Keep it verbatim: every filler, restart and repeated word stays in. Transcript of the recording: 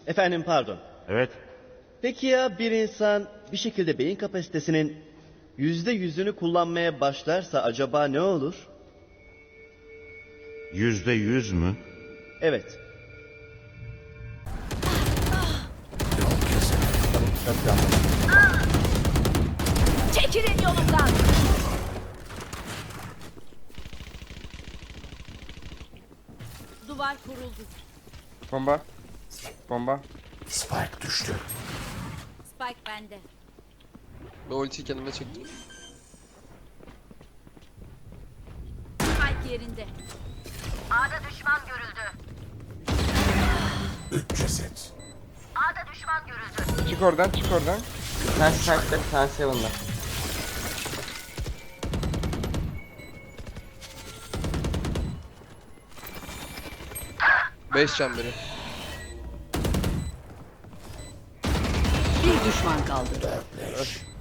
Efendim pardon. Evet. Peki ya bir insan bir şekilde beyin kapasitesinin yüzde yüzünü kullanmaya başlarsa acaba ne olur? Yüzde yüz mü? Evet. Çekilin yolumdan. Duvar kuruldu. Bomba. Bomba. Spike düştü. Spike bende. Ben ultiyi kendime çektim. Spike yerinde. A'da düşman görüldü. Üç ceset. A'da düşman görüldü. Çık oradan, çık oradan. Sen Skype'da bir tane Seven'da. beş can biri. Bir düşman kaldı. Dörtleş.